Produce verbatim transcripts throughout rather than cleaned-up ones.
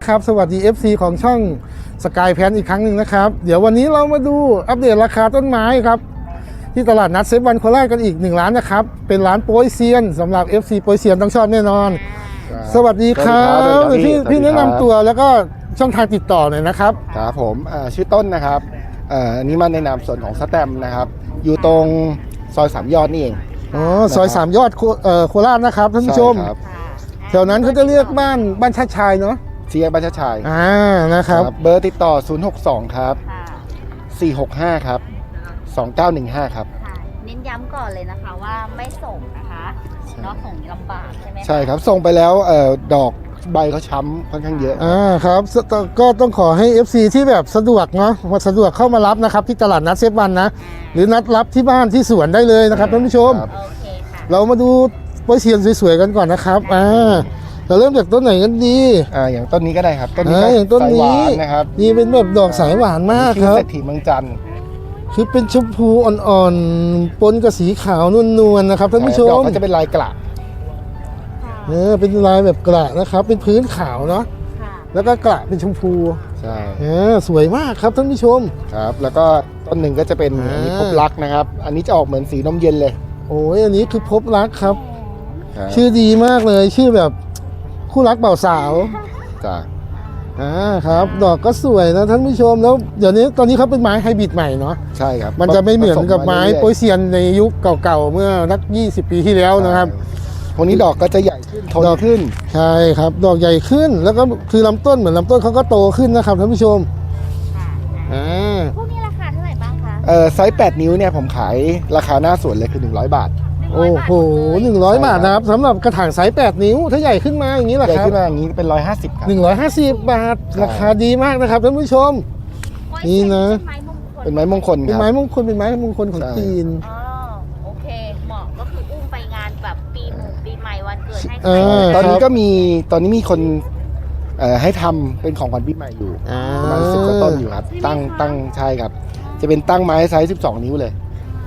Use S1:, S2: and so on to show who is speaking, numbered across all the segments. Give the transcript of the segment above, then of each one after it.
S1: นะครับสวัสดี เอฟ ซี ของช่องสกายแพนอีกครั้งหนึ่งนะครับเดี๋ยววันนี้เรามาดูอัปเดตราคาต้นไม้ครับที่ตลาดนัดเซฟวันโคราชกันอีกหนึ่งร้านนะครับเป็นร้านโปรยเซียนสำหรับ เอฟ ซี โปรยเซียนต้องชอบแน่นอนสวัสดีครับพี่พี่แนะนำตัวแล้วก็ช่องทางติดต่อหน่อยนะครับ
S2: ครับผมชื่อต้นนะครับอันนี้มาในนามส่วนของสแตมนะครับอยู่ตรงซอยสามยอดนี่เอง
S1: อ๋อซอยสามยอดโคราชนะครับท่านผู้ชมแถวนั้นเขาจะเรียกบ้านบ้านชาติชายเนาะ
S2: เชียร์บ้านชาติชาย
S1: อ่านะครับ
S2: เบอร์ติดต่อศูนย์ หก สองครับสี่ หก ห้าครับสองเก้าหนึ่งห้าครับ
S3: เน้นย้ำก่อนเลยนะคะว่าไม่ส่งนะคะเนาะส่งลำบากใช่ไหม
S2: ใช่ครับส่งไปแล้วเอ่อดอกใบเขาช้ำค่อนข้างเยอะ
S1: อ่าครับก็ต้องขอให้ เอฟ ซี ที่แบบสะดวกเนาะสะดวกเข้ามารับนะครับที่ตลาดนัดเซฟวันนะหรือนัดรับที่บ้านที่สวนได้เลยนะครับท่านผู้ชม
S3: โอเคค่ะ
S1: เรามาดูโปรยเซียนสวยๆกันก่อนนะครับอ่าเราเริ่มจากต้นไหนกันดี
S2: อ่าอย่างต้นนี้ก็ได้ครับต้นนี้
S1: อย่างต้นนี้
S2: นะครับ
S1: นี่เป็นแบบดอกสายหวานมากครับ
S2: เศรษฐีเมืองจันทร์
S1: คือเป็นชมพูอ่อนๆปนกับสีขาวนวลๆนะครับท่านผู้ชม
S2: ดอกเขาจะเป็นลายกระ
S1: เออเป็นลายแบบกระนะครับเป็นพื้นขาวเนาะแล้วก็กระเป็นชมพู
S2: ใช่
S1: เออสวยมากครับท่านผู้ชม
S2: ครับแล้วก็ต้นหนึ่งก็จะเป็นอันนี้พบรักนะครับอันนี้จะออกเหมือนสีนมเย็นเลย
S1: โอ้ยอันนี้คือพบรักครับชื่อดีมากเลยชื่อแบบคู่รักเบ่าวสาว
S2: จ้ะ
S1: อ่าครับดอกก็สวยนะท่านผู้ชมแล้วเดี๋ยวนี้ตอนนี้เขาเป็นไม้ไฮบริดใหม่เนาะ
S2: ใช่ครับ
S1: มันจะไม่เหมือนกับไม้โปยเซียนในยุคเก่าๆเมื่อนักยี่สิบปีที่แล้วนะครับ
S2: พวกนี้ดอกก็จะใหญ่ขึ้นโตขึ้น
S1: ใช่ครับดอกใหญ่ขึ้นแล้วก็คือลำต้นเหมือนลำต้นเขาก็โตขึ้นนะครับท่านผู้ชม
S3: อ่าพวกนี้ราคาเท่าไหร่บ้างคะ
S2: เออไซส์แปดนิ้วเนี่ยผมขายราคาหน้าสวนเลยคือหนึ่งร้อยบาท
S1: โอ้โหหนึ่งร้อยบาทนะครับสำหรับกระถางไซส์แปดนิ้วถ้าใหญ่ขึ้นมาอย่างนี้แหละครับ
S2: ใหญ่ขึ้นมาอย่างนี้เป็นหนึ่งร้อยห้าสิบครับ
S1: หนึ่งร้อยห้าสิบบาทราคาดีมากนะครับท่านผู้ชมนี่นะ
S2: เป็นไม้มงคล
S1: เป็นไม้มงคลเป็นไม้มงคลของจีน
S3: อ๋อโอเคเหมาะก็คืออุ้มไปงานแบบปีหมู่ปีใหม่วันเกิดให้
S2: ตอนนี้ก็มีตอนนี้มีคนให้ทำเป็นของขวัญปีใหม่อยู่ประมาณสิบกว่าต้นอยู่ครับตั้งตั้งใช่ครับจะเป็นตั้งไม้ไซส์สิบสองนิ้วเลย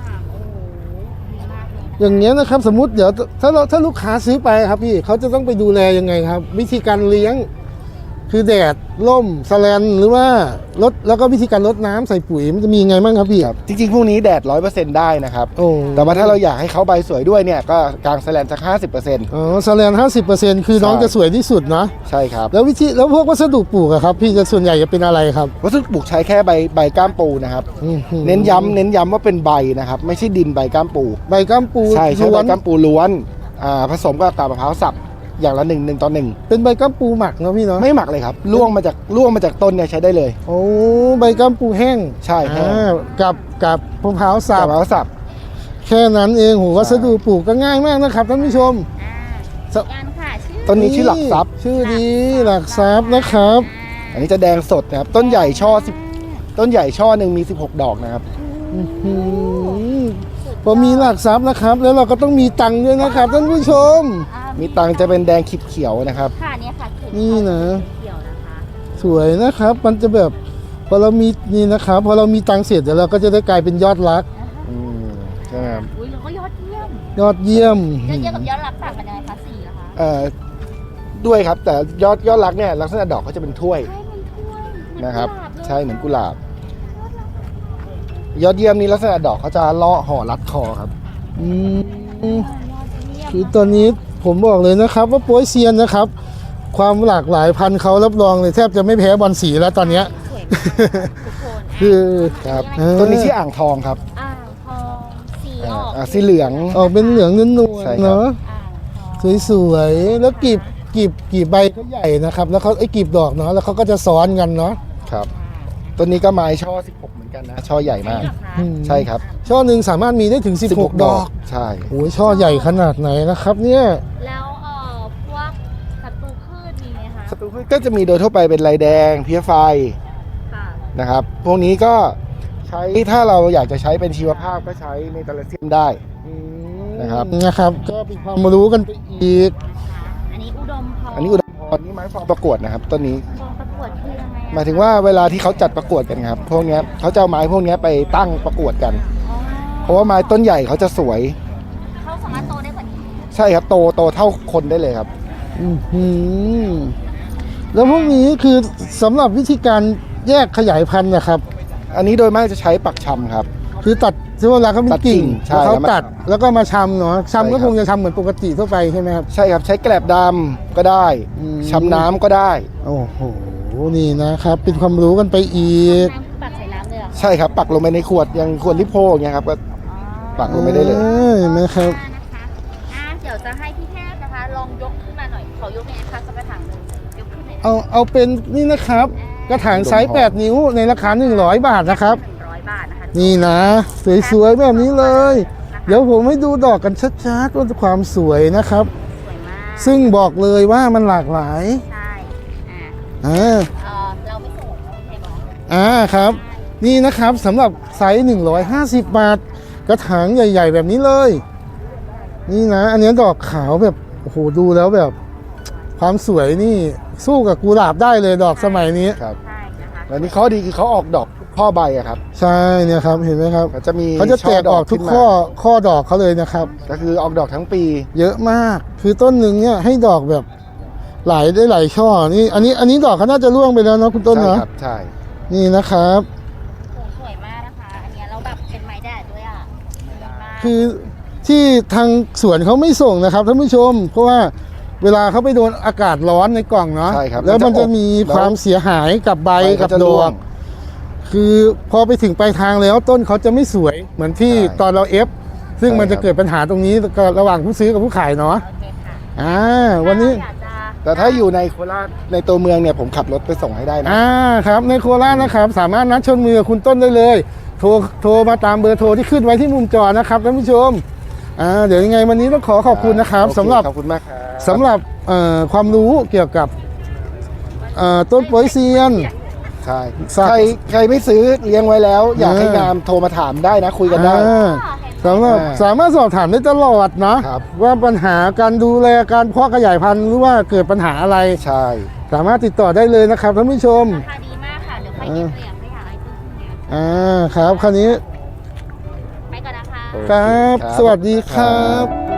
S1: อย่างเงี้ยนะครับสมมุติเดี๋ยวถ้าเราถ้าลูกค้าซื้อไปครับพี่เขาจะต้องไปดูแลยังไงครับวิธีการเลี้ยงคือแดดร่มแสแลนหรือว่าลดแล้วก็วิธีการลดน้ำใส่ปุ๋ยมันจะมีไงบ้างครับพี่
S2: ครับจริงๆพวกนี้แดดร้อยเปอร์เซ็นต์ได้นะครับ
S1: โอ้
S2: แต่ว่าถ้าเราอยากให้เขาใบสวยด้วยเนี่ยก็กางแสแลนสักห้าสิบเปอร์เซ็นต์
S1: อ๋อแสแลนห้าสิบเปอร์เซ็นต์คือน้องจะสวยที่สุดนะ
S2: ใช่ครับ
S1: แล้ววิธีแล้วพวกวัสดุปลูกอะครับพี่จะส่วนใหญ่จะเป็นอะไรครับ
S2: วัสดุปลูกใช้แค่ใบใบก้ามปูนะครับเน้นย้ำเน้นย้ำว่าเป็นใบนะครับไม่ใช่ดินใบก้ามปู
S1: ใบก้ามปู
S2: ใช่ใช่ใบก้ามปูล้วนอ่าผสมกับกาบมะพร้าวสับอย่างละหนึ่งหนึ่งต่อหนึ่ง
S1: เป็นใบก้ามปูหมักเนาะพี่เนาะ
S2: ไม่หมักเลยครับล่วงมาจากล่วงมาจากต้นเนี่ยใช้ได้เลย
S1: โอ้ใบก้ามปูแห้ง
S2: ใช่แห้ง
S1: กับกับมะพร้าวสับ
S2: มะพร้าวสับ
S1: แค่นั้นเองโหวัสดุปลูกก็ง่ายมากนะครับท่านผู้ชม
S2: ต้นนี้ชื่อหลักทรัพย์
S1: ชื่อดีหลักทรัพย์นะครับ
S2: อันนี้จะแดงสดนะครับต้นใหญ่ช่อสิบต้นใหญ่ช่อหนึ่งมีสิบหกดอกนะครับ
S1: พอมีหลักทรัพย์นะครับแล้วเราก็ต้องมีตังค์ด้วยนะครับท่านผู้ชม
S2: มีตังค์จะเป็นแดงขีดเขียวนะครับ
S3: ค่ะเนี่ยค่ะ
S1: นี่นะ
S3: เขียวนะคะ
S1: สวยนะครับมันจะแบบพอเรามีนี่นะครับพอเรามีตังค์เสร็จเดี๋ยวเราก็จะได้กลายเป็นยอดรัก
S2: อืมใช่ครับ
S3: อุ้ยเราก็ยอดเยี่ยม
S1: ยอดเยี่ยม
S3: ยอดเยี่ยมกับยอดรักต่างกันยังไงคะสีเหรอคะ
S2: เอ่อด้วยครับแต่ยอดยอดรักเนี่ยลักษณะดอกเขาจะเป็นถ้วยนะครับใช่เหมือนกุหลาบยอดเยี่ยมนี่ลักษณะดอกเขาจะเลาะห่อรัดคอครับ
S1: อืมคือตอนนี้ผมบอกเลยนะครับว่าโปยเซียนนะครับความหลากหลายพันธุ์เขารับรองเลยแทบจะไม่แพ้บอลสีแล้วตอนนี้คือ
S2: ครับต้นนี้ชื่ออ่างทองครับ
S3: อ่างทองสีออก
S2: สีเหลือง
S1: ออกเป็นเหลืองนวลๆเนาะสวยๆแล้วกีบกีบกีบใบเขาใหญ่นะครับแล้วเขาไอ้กีบดอกเนาะแล้วเขาก็จะซ้อนกันเนาะ
S2: ครับต้นนี้ก็ไม้ช่อสิบหกเหมือนกันนะช่อใหญ่มากใช่ครับ
S1: ช่อหนึ่งสามารถมีได้ถึงสิบหกดอก
S2: ใช่
S1: โอ้ยช่อใหญ่ขนาดไหนนะครับเนี่ย
S3: แล้วเอ่อพวกศัตรูพืชมีไหมคะ
S2: ศัตรูพืชก็จะมีโดยทั่วไปเป็นลายแดงเพี้ยไฟนะครับพวกนี้ก็ใช้ถ้าเราอยากจะใช้เป็นชีวภาพก็ใช้เมทาลเซียมได้นะครับ
S1: นะครับก็เป็นความรู้กันไปอีก
S3: อันนี้อุดมพร
S2: อันนี้อุดมพรนี่ไม้ฟองประกวดนะครับต้นนี้
S3: ฟองประกวดคือยังไง
S2: หมายถึงว่าเวลาที่เขาจัดประกวดกันครับพวกนี้เขาจะเอาไม้พวกนี้ไปตั้งประกวดกันเพราะว่าไม้ต้นใหญ่เขาจะสวย
S3: เขาสามารถโตได้กว่านี้
S2: ใช่ครับโตโตเท่าคนได้เลยครับ
S1: อืมแล้วพวกนี้คือสำหรับวิธีการแยกขยายพันธุ์นะครับ
S2: อันนี้โดยมากจะใช้ปักชำครับ
S1: คือตัดที่เวลาเขามี
S2: ตัดกิ่
S1: กิ่ง
S2: งใช่
S1: แล้วเขา
S2: แล้วมา
S1: ตัดแล้วก็มาชำเนาะ
S2: ใช่
S1: ชำก็
S2: ครับ
S1: คงจะชำเหมือนปกติทั่วไปใช่ไหมครับ
S2: ใช่ครับใช้แกลบดำก็ได้
S1: อืม
S2: ชำน้ำก็ได้
S1: โอ้โหนี่นะครับ เป็นความรู้กันไปอีก
S3: น้ำปักใส่น้ำเลยเหรอ
S2: ใช่ครับปักลงไปในขวดอย่างขวดลิโพอย่างเงี้ยครับก็ปักลงไปได้เลย
S1: ออเห็นไหมครับ
S3: นะคะอ่าเดี๋ยวจะให้พี่แพทย์นะคะ ลองยกขึ้นมาหน่อย ขอยกยังไงคะสักกระถางหนึ่งยกขึ้นหน่อย
S1: เอาเอาเป็นนี่นะครับ กระถางไซส์แปดนิ้วในราคาหนึ่งร้อยบาทนะครับ
S3: หนึ่งร้อยบาทนะคะ
S1: นี่นะ สวยๆแบบนี้เลย เดี๋ยวผมให้ดูดอกกันชัดๆว่าความสวยนะครับ
S3: สวยมาก
S1: ซึ่งบอกเลยว่ามันหลากหลาย
S3: ใช่อ่า
S1: อ่า
S3: เอ่อเราไม่ส่งเราไม่ใช่หรอ
S1: อ่าครับ นี่นะครับสำหรับไซส์หนึ่งร้อยห้าสิบบาท กระถางใหญ่ ๆ แบบนี้เลย นี่นะ อันนี้ดอกขาวแบบโอ้โหดูแล้วแบบ ความสวยนี่สู้กับกุหลาบได้เลยดอกสมัยนี้
S2: ครับ
S3: ใช่นะคะ
S2: แล้วนี่ข้อดีคือเขาออกดอกข้อใบอะครับ
S1: ใช่เนี่ยครับเห็นไหมครับ
S2: เขาจะมี
S1: เขาจะแตกออกทุก
S2: ขึ้นมา
S1: ข้อข้อดอกเขาเลยนะครับ
S2: ก็คือออกดอกทั้งปี
S1: เยอะมาก คือต้นหนึ่งเนี่ยให้ดอกแบบหลายได้หลายช่อ นี่ อันนี้อันนี้ดอกเขาน่าจะร่วงไปแล้วเนาะคุณต้น
S2: ใช่
S1: เนาะ
S2: ครับใช่
S1: นี่นะครับ
S3: โอ้สวยมากนะคะ อันเนี้ยเราแบบเป็นไม้แดดด้วยอ่ะสวยมาก
S1: คือที่ทางสวนเขาไม่ส่งนะครับท่านผู้ชม เพราะว่าเวลาเขาไปโดนอากาศร้อนในกล่องเนาะ
S2: ใช่ครับ
S1: แล้วมันจะ
S2: อบ
S1: มี
S2: แล้ว
S1: ความเสียหายกับใบ
S2: ใบ
S1: กับ
S2: เขาจะ
S1: ด
S2: ร่
S1: อ
S2: ว
S1: ก
S2: ง
S1: คือพอไปถึงปลายทางแล้วต้นเขาจะไม่สวย เหมือนที่
S2: ใช่
S1: ตอนเราเอฟ ซึ่ง
S2: ใช่
S1: มันจะ
S2: ครับ
S1: เกิดปัญหาตรงนี้ระหว่างผู้ซื้อกับผู้ขายเนาะ
S3: โอเคค่ะ
S1: อ่าวันนี้
S3: ถ้าอยากจะ
S2: แต่ถ้าอยู่ในโคราชในตัวเมืองเนี่ยผมขับรถไปส่งให้ได้นะ
S1: อ่าครับในโคราชนะครับ สามารถนัดชนมือกับคุณต้นได้เลย โทรโทรมาตามเบอร์โทรที่ขึ้นไว้ที่มุมจอนะครับท่านผู้ชมอ่าเดี๋ยวยังไงวันนี้ต้องขอขอบคุณนะครับ
S2: โอเ
S1: สำหรับ
S2: ขอบคุณมากครับ
S1: สำหรับเอ่อความรู้เกี่ยวกับเอ่อต้นโปยเซียน
S2: ใช่
S1: ฝาก
S2: ใครใครไม่ซื้อเลี้ยงไว้แล้ว อยาก
S1: เออ
S2: ให้งามโทรมาถามได้นะ คุยกันได้
S1: อ่าสำหรับ
S2: อ่า
S1: สามารถสอบถามได้ตลอดนะครับ ว่าปัญหาการดูแลการเพาะขยายพันธุ์หรือว่าเกิดปัญหาอะไร
S2: ใช่
S1: สามารถติดต่อได้เลยนะครับท่านผู้ชม
S3: ราคาดีมากค่ะ เดี๋ยวไปเก็บตัวอย่างให้หาไอ้ต้นทุนเนี่ย
S1: อ่าครับคราวนี้
S3: ไปก่อนนะคะ
S2: โอเค
S1: ครับ
S2: ครับ
S1: สวัสดีครับ